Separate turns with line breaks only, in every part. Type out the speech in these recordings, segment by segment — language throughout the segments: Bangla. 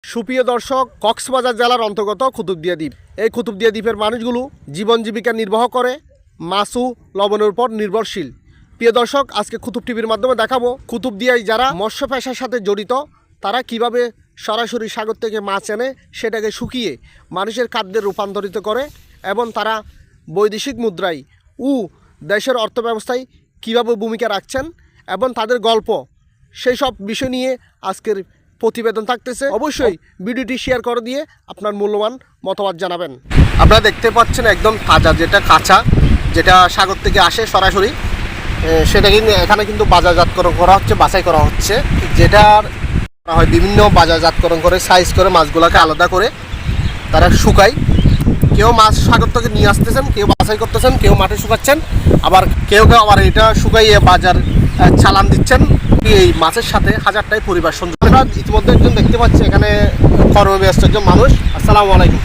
সুপ্রিয় দর্শক, কক্সবাজার জেলার অন্তর্গত কুতুবদিয়া দ্বীপ। এই কুতুবদিয়া দ্বীপের মানুষগুলো জীবন জীবিকা নির্বাহ করে মাছ ও লবণের উপর নির্ভরশীল। প্রিয় দর্শক, আজকে কুতুব টিভির মাধ্যমে দেখাবো কুতুবদিয়ায় যারা মৎস্য পেশার সাথে জড়িত তারা কিভাবে সরাসরি সাগর থেকে মাছ এনে সেটাকে শুকিয়ে মানুষের খাদ্যে রূপান্তরিত করে এবং তারা বৈদেশিক মুদ্রায় ও দেশের অর্থব্যবস্থায় কীভাবে ভূমিকা রাখছেন এবং তাদের গল্প, সেই সব বিষয় নিয়ে আজকের প্রতিবেদন থাকতেছে। অবশ্যই ভিডিওটি শেয়ার করে দিয়ে আপনার মূল্যবান মতামত জানাবেন। আপনারা দেখতে পাচ্ছেন একদম তাজা, যেটা কাঁচা, যেটা সাগর থেকে আসে সরাসরি, সেটা কিন্তু এখানে কিন্তু বাজারজাতকরণ করা হচ্ছে, বাছাই করা হচ্ছে। যেটার হয় বিভিন্ন বাজারজাতকরণ করে সাইজ করে মাছগুলোকে আলাদা করে তারা শুকায়। কেউ মাছ সাগর থেকে নিয়ে আসতেছেন, কেউ বাছাই করতেছেন, কেউ মাঠে শুকাচ্ছেন, আবার কেউ আবার এটা শুকাইয়ে বাজার চালান দিচ্ছেন। এই মাছের সাথে হাজারটাই পরিবার সংযোগ। আমরা ইতিমধ্যে একজন দেখতে পাচ্ছি এখানে কর্মব্যস্ত একজন মানুষ। আসসালামু আলাইকুম।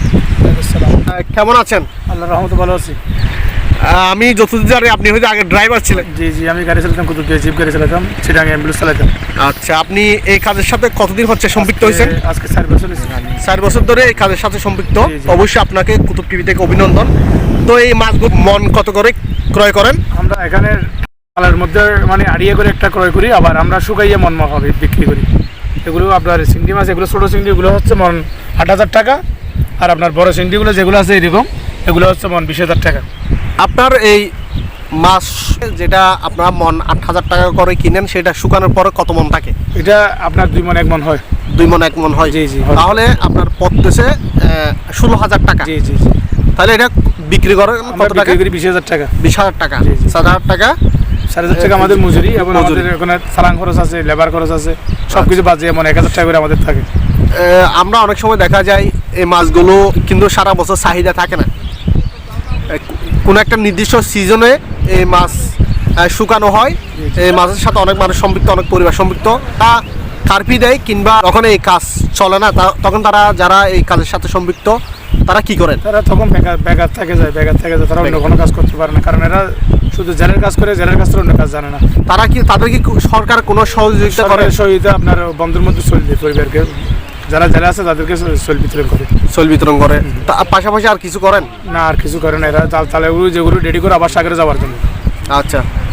কেমন আছেন?
আল্লাহর রহমতে ভালো আছি।
আমি যতদূর জানি আপনি হয়তো আগে ড্রাইভার ছিলেন।
জি জি, আমি গাড়ি চালাতাম, কুতুবদিয়া জিপ গাড়ি চালাতাম, চিটাগাং অ্যাম্বুলেন্স চালাতাম।
আচ্ছা, আপনি এই কাজের সাথে কতদিন হচ্ছে সম্পৃক্ত হয়েছেন?
আজকে 4 বছর হয়েছে।
4 বছর ধরে এই কাজের সাথে সম্পৃক্ত।
জি, জি।
অবশ্যই আপনাকে কুতুব টিভি থেকে অভিনন্দন। তো এই মাছগুলো মন কত করে ক্রয় করেন?
আমরা এখানে মালের মধ্যে মানে আড়িয়ে করে একটা ক্রয় করি, আবার আমরা শুকাইয়ে মন মাখাবে বিক্রি করি। এগুলো আপনার চিংড়ি মাছ, এগুলো ছোটো চিংড়িগুলো হচ্ছে মন 8,000 টাকা, আর আপনার বড় চিংড়িগুলো যেগুলো আছে এরকম এগুলো হচ্ছে মন 20,000 টাকা।
আপনার এই মাছ যেটা আপনার মন 8,000 টাকা করে কিনেন, সেটা শুকানোর পরে কত মন থাকে?
এটা আপনার 2 মন 1 মন হয়।
2 মন 1 মন হয়।
জি জি।
তাহলে আপনার পড়তেছে 16,000 টাকা।
জি জি জি।
তাহলে এটা বিক্রি করেন কত টাকা?
20,000 টাকা।
20,000 টাকা।
জি, জি।
7,000 টাকা।
4,500 টাকা আমাদের মজুরি, এবং আমাদের এখানে চালান খরচ আছে, লেবার খরচ আছে, সব কিছু বাজে এমন 1,000 টাকা করে আমাদের থাকে।
আমরা অনেক সময় দেখা যায় এই মাছগুলো কিন্তু সারা বছর চাহিদা থাকে না। কোনো একটা নির্দিষ্ট সিজনে এই মাছ শুকানো হয়। এই মাছের সাথে অনেক মানুষ সম্পৃক্ত, অনেক পরিবার সম্পৃক্ত। তা কার্পি দেয় কিংবা যখন এই কাজ চলে না, তখন তারা যারা এই কাজের সাথে সম্পৃক্ত তারা কি করেন?
তারা তখন বেকার থেকে যায়, তারা অন্য কোনো কাজ করতে পারে না, কারণ এরা শুধু জেলের কাজ করে, জেলের কাজ করে অন্য কাজ জানে না।
তাদের কি সরকার কোনো সহযোগিতা করে?
সহযোগিতা আপনার বন্ধুর মধ্যে চলবে, পরিবারকে যারা জেলে আছে তাদেরকে চল বিতরণ করে। পাশাপাশি আর কিছু করেন না? আর কিছু করে না, এরা তালেগুলো যেগুলো রেডি করে আবার সাগরে যাওয়ার জন্য।
আচ্ছা,